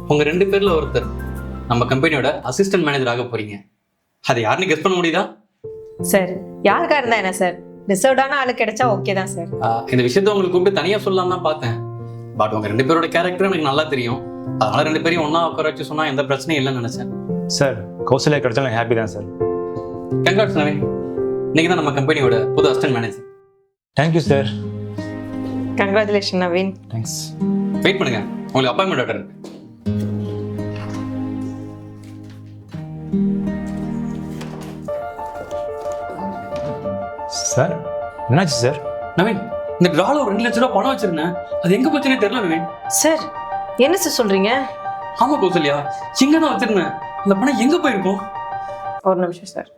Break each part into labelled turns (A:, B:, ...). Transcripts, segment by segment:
A: உங்க 2 பேர்ல ஒருத்தர் நம்ம கம்பெனியோட அசிஸ்டன்ட் மேனேஜர் ஆக போறீங்க. அதை யாருன்னு கெஸ் பண்ண முடியுதா?
B: சார் யாருக்கா இருந்தா என்ன சார், ரிசர்வ்டான ஆளு கிடைச்சா ஓகே தான் சார்.
A: இந்த விஷயத்த உங்களுக்கு கூப்பிட்டு தனியா சொல்லலாம் தான் பார்த்தேன். பட் உங்க 2 பேரோட கேரக்டர் எனக்கு நல்லா தெரியும். அதனால 2 பேரையும் ஒண்ணா உட்கார வச்சு சொன்னா எந்த பிரச்சனையும் இல்லைன்னு நினைச்சேன்.
C: சார் கௌசல்யா கிடைச்சாலும் ஹாப்பி தான் சார்.
A: கங்க்ராட்ஸ் நவீன், இன்னைக்கு தான் நம்ம கம்பெனியோட புது assistant manager.
C: Thank you sir.
B: Congratulation Naveen.
C: Thanks.
A: Wait பண்ணுங்க, உங்களுக்கு அப்பாயின்மெண்ட் ஆர்டர் இருக்கு.
C: சார் என்னாச்சு சார்?
A: நவீன், இந்த டிரால ஒரு 2 லட்சம் ரூபாய் பணம் வச்சிருந்தேன். அது எங்க போச்சுன்னே தெரியல நவீன்.
B: சார் என்ன சார் சொல்றீங்க?
A: ஆமா கௌசல்யா, இங்க தான் வச்சிருந்தேன். அந்த பணம் எங்க போயிருக்கும்?
B: ஒரு நிமிஷம் சார்.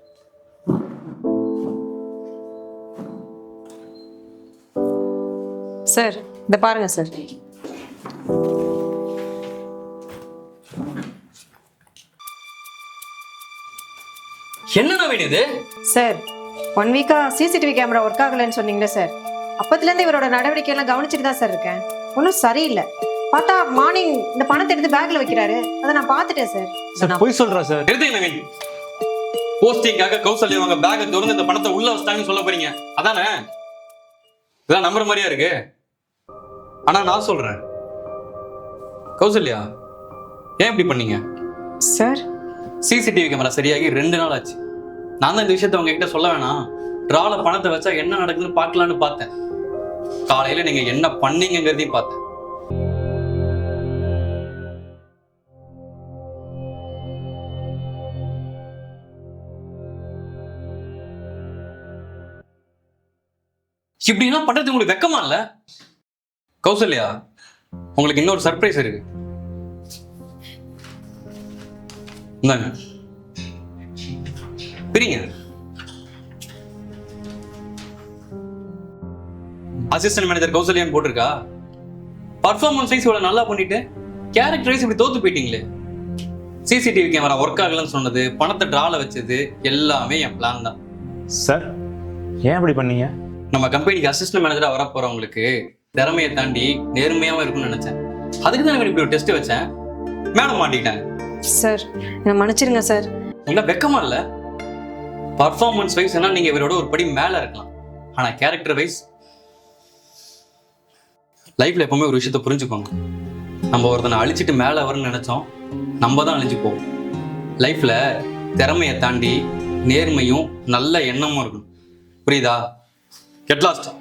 B: சார் இத பாருங்க சார்.
A: என்ன நவீன் இது?
B: சார் 1 வீக்கா சிசிடிவி கேமரா ஒர்க் ஆகலைன்னு சொன்னீங்களே சார், அப்பத்துலேருந்து இவரோட நடவடிக்கை எல்லாம் கவனிச்சுட்டு தான் சார் இருக்கேன். ஒன்றும் சரியில்லை. பார்த்தா மார்னிங் இந்த பணத்தை எடுத்து பேக்ல வைக்கிறாரு, அதை நான் பார்த்துட்டேன் சார்.
C: சார் போய் சொல்றா சார்.
A: எடுத்துங்க நவீன், போஸ்டிங்காக கௌசல்யா அவங்க பேக்கை திறந்து இந்த பணத்தை உள்ள வச்சிட்டாங்கன்னு சொல்ல போறீங்க அதானே? இதெல்லாம் நம்புற மாதிரியா இருக்கு? ஆனா நான் சொல்றேன் கௌசல்யா, ஏன் இப்படி பண்ணீங்க?
B: சார்
A: சிசிடிவி கேமரா சரியாகி 2 நாள் ஆச்சு. நான் தான் இந்த விஷயத்த உங்ககிட்ட சொல்ல வேணாம், டிரால பணத்தை வச்சா என்ன நடக்குதுன்னு பார்க்கலான்னு பார்த்தேன். காலையில நீங்க என்ன பண்ணீங்கிறதையும் பார்த்தேன். இப்படிலாம் பண்றது உங்களுக்கு வெக்கமா இல்ல? கௌசல்யா, உங்களுக்கு இன்னொரு சர்ப்ரைஸ் இருக்கு. இந்தாங்க, பிரிங்க. அசிஸ்டன்ட் மேனேஜர் கௌசல்யான்னு போட்டிருக்கா. பர்ஃபார்மன்ஸ் வைஸ் இவ்வளவு நல்லா பண்ணிட்டு கேரக்டர் வைஸ் இப்படி தோத்து போயிட்டீங்களே. சிசிடிவி கேமரா ஒர்க் ஆகலன்னு சொன்னது, பணத்தை டிரால வச்சது எல்லாமே என் பிளான் தான்.
C: சார் ஏன் இப்படி பண்ணீங்க?
A: நம்ம கம்பெனிக்கு அசிஸ்டன்ட் மேனேஜரா வர போறவங்களுக்கு திறமையை தாண்டி நேர்மையாவும் இருக்கும்னு நினைச்சேன். அதுக்கு தான் இப்படி ஒரு டெஸ்ட் வச்சேன். மேடம் மாட்டிக்கிட்டாங்க.
B: சார் என்ன மன்னிச்சிருங்க சார்.
A: உங்களை வெக்கமா இல்ல? பர்ஃபார்மன்ஸ் வைஸ் என்ன நீங்க இவரோட ஒரு படி மேல இருக்கலாம், ஆனா கேரக்டர் வைஸ் லைஃப்ல எப்பவுமே ஒரு விஷயத்த புரிஞ்சுக்கோங்க. நம்ம ஒருத்தனை அழிச்சிட்டு மேல வரணும்னு நினைச்சோம், நம்ம தான் அழிஞ்சு போவோம். லைஃப்ல திறமையை தாண்டி நேர்மையும் நல்ல எண்ணமும் இருக்கணும். புரியுதா? Get last.